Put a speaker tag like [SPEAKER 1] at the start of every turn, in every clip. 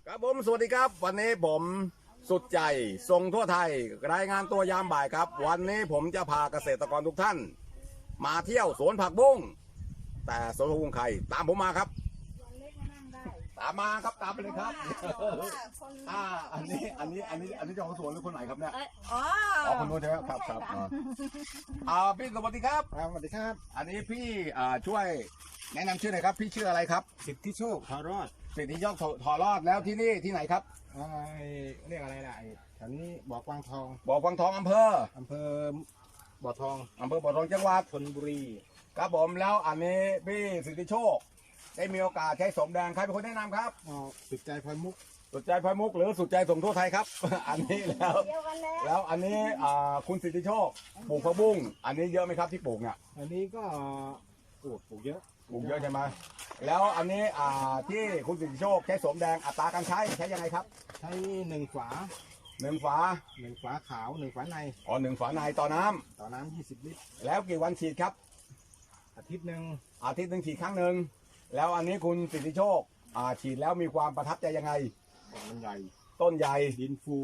[SPEAKER 1] ครับผมสวัสดีครับวันนี้ผมสุดใจส่งทั่วไทยรายงานตัวยามบ่ายครับวันนี้ผมจะพาเกษตรกรทุกท่านมาเที่ยวสวนผักบุ้งแต่สวนผักบุ้งใครตามผมมาครับตามมาครับตามไปเลยครับอันนี้เจ้าของสวนหรือคนไหนครับเนี่ยอ๋อคนนู้นใช่ไหมครับพี่สวัสดีครับ
[SPEAKER 2] สวัสดีครับ
[SPEAKER 1] อันนี้พี่ช่วยแนะนำชื่อหน่อยครับพี่ชื่ออะไรครับ
[SPEAKER 2] สิทธิโชคทอรอด
[SPEAKER 1] สิทธิโชคทอรอดแล้วที่นี่ที่ไหนครับ
[SPEAKER 2] เรียกอะไรล่ะแถวนี้บ่อกวางทอง
[SPEAKER 1] บ่อกวางทองอำเภอ
[SPEAKER 2] บ่อทอง
[SPEAKER 1] บ่อทองจังหวัด
[SPEAKER 2] ชลบุรี
[SPEAKER 1] ครับผมแล้วอันนี้พี่สิทธิโชคได้มีโอกาสใช้สมแดงใครเป็นคนแนะนำครับ
[SPEAKER 2] สุดใจพลอยมุก
[SPEAKER 1] สุดใจพลอยมุกหรือสุดใจส่งทั่วไทยครับ อันนี้แล้วอันนี้คุณสิทธิโชคปลูกผักบุ้งอันนี้เยอะไหมครับที่ปลูกเนี่ย
[SPEAKER 2] อันนี้ก็ปลูกเยอะ
[SPEAKER 1] ใช่ไหมแล้วอันนี้ที่คุณสิทธิโชคใช้สมแดงอัตราการใช้ยังไงครับ
[SPEAKER 2] ใช้1 ฝา
[SPEAKER 1] 1 ฝา
[SPEAKER 2] ขาว1 ฝาใน
[SPEAKER 1] 1 ฝาในต่อน้
[SPEAKER 2] ำ20 ลิตร
[SPEAKER 1] แล้วกี่วันฉีดครับ
[SPEAKER 2] อาทิตย์หนึ่ง
[SPEAKER 1] ฉีดครั้งหนึ่งแล้วอันนี้คุณสิทธิโชคฉีดแล้วมีความประทับใจยังไง
[SPEAKER 2] มันใหญ่
[SPEAKER 1] ต้นใหญ่
[SPEAKER 2] ดินฟู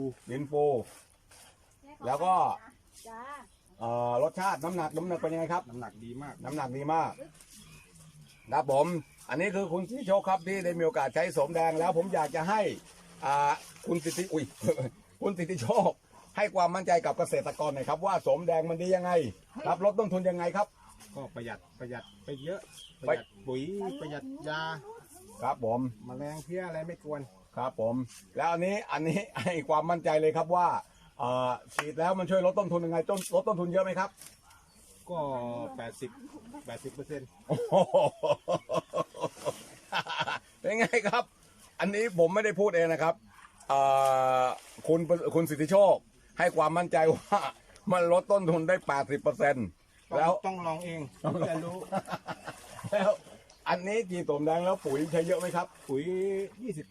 [SPEAKER 1] แล้วก็รสชาติน้ำหนักเป็นยังไงครับ
[SPEAKER 2] น้ำหนักดีมาก
[SPEAKER 1] ครับผมอันนี้คือคุณสิทธิโชคครับที่ได้มีโอกาสใช้สมแดงแล้วผมอยากจะให้คุณสิทธิโชคให้ความมั่นใจกับเกษตรกรหน่อยครับว่าสมแดงมันดียังไงรับลดต้นทุนยังไงครับ
[SPEAKER 2] ก็ประหยัดไปเยอะประหยัดปุ๋ยประหยัดยา
[SPEAKER 1] ครับผม
[SPEAKER 2] แมลงเพี้ยอะไรไม่กวน
[SPEAKER 1] ครับผมแล้วอันนี้ให้ความมั่นใจเลยครับว่าฉีดแล้วมันช่วยลดต้นทุนยังไงลดต้นทุนเยอะไหมครับ
[SPEAKER 2] ก็80%
[SPEAKER 1] เป็นไงครับอันนี้ผมไม่ได้พูดเองนะครับคุณสิทธิโชคให้ความมั่นใจว่ามันลดต้นทุนได้ 80%แล้ว
[SPEAKER 2] ต้องลองเองจะรู้
[SPEAKER 1] แล้วอันนี้จีสมแดงแล้วปุ๋ยใช้เยอะไหมครับ
[SPEAKER 2] ปุ๋ย 20%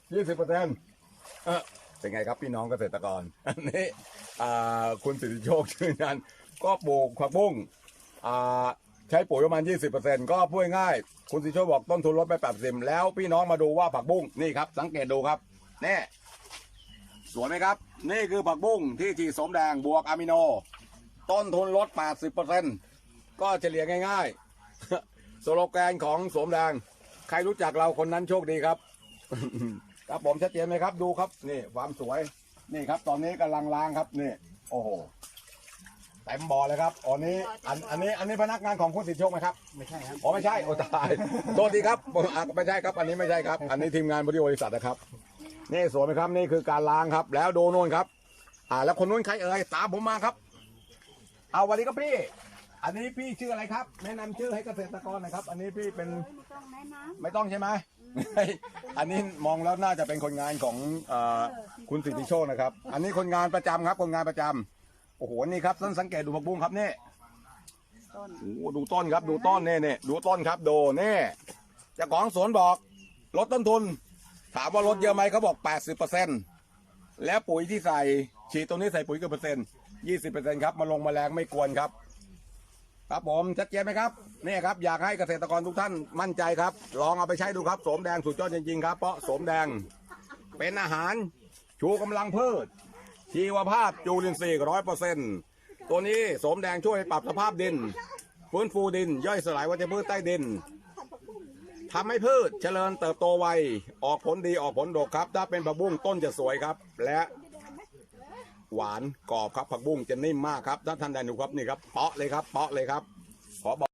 [SPEAKER 1] เป็นไงครับพี่น้องเกษตรกรอันนี้คุณสิทธิโชคชื่อนั้นก็ปลูกผักบุ้งใช้ปุ๋ยประมาณ 20% ก็พูดง่ายคุณสิทธิโชคบอกต้นทุนลดไป 80%แล้วพี่น้องมาดูว่าผักบุ้งนี่ครับสังเกตดูครับนี่สวยไหมครับนี่คือผักบุ้งที่ฉีดสมแดงบวกอะมิโนต้นทุนลด 80% ก็เฉลี่ยง่ายๆสโลแกนของสมแดงใครรู้จักเราคนนั้นโชคดีครับ ครับผมชัดเจนไหมครับดูครับนี่ความสวยนี่ครับตอนนี้กำลังล้างครับนี่โอ้โหเต็มบ่อเลยครับอันนี้พนักงานของคุณสิทธิโชคไหมครับ
[SPEAKER 2] ไม่ใช่ครับ
[SPEAKER 1] ไม่ใช่โอ้ตายโทษทีครับไม่ใช่ครับอันนี้ไม่ใช่ครับอันนี้ทีมงานบริษัทนะครับนี่สวยไหมครับนี่คือการล้างครับแล้วดูโน่นครับแล้วคนนู้นใครเอ่ยตามผมมาครับวันนี้ก็พี่อันนี้พี่ชื่ออะไรครับแนะนำชื่อให้เกษตรกรหน่อยครับอันนี้พี่เป็นไม่ต้องใช่ไหมอันนี้มองแล้วน่าจะเป็นคนงานของคุณสิทธิโชคนะครับอันนี้คนงานประจำครับคนงานประจำโอ้โหนี่ครับต้นสังเกตดูผักบุ้งครับนี่ดูต้นครับดูต้นนี่ดูต้นครับดูนี่เจ้าของสวนบอกลดต้นทุนถามว่าลดเยอะไหมเขาบอก 80%แล้วปุ๋ยที่ใส่ฉีดตรงนี้ใส่ปุ๋ยกี่เปอร์เซ็นต์ 20%ครับมาลงแมลงไม่กวนครับครับผมชัดเจนไหมครับนี่ครับอยากให้เกษตรกรทุกท่านมั่นใจครับลองเอาไปใช้ดูครับโสมแดงสุดยอดจริงๆครับเพราะโสมแดงเป็นอาหารชูกำลังพืชชีวภาพจุลินทรีย์ 100% ตัวนี้โสมแดงช่วยปรับสภาพดินฟื้นฟูดินย่อยสลายวัชพืชใต้ดินทำให้พืชเจริญเติบโตไวออกผลดีออกผลดกครับถ้าเป็นผักบุ้งต้นจะสวยครับและหวานกรอบครับผักบุ้งจะนิ่มมากครับถ้าท่านได้ดูครับนี่ครับเปาะเลยครับขอบอก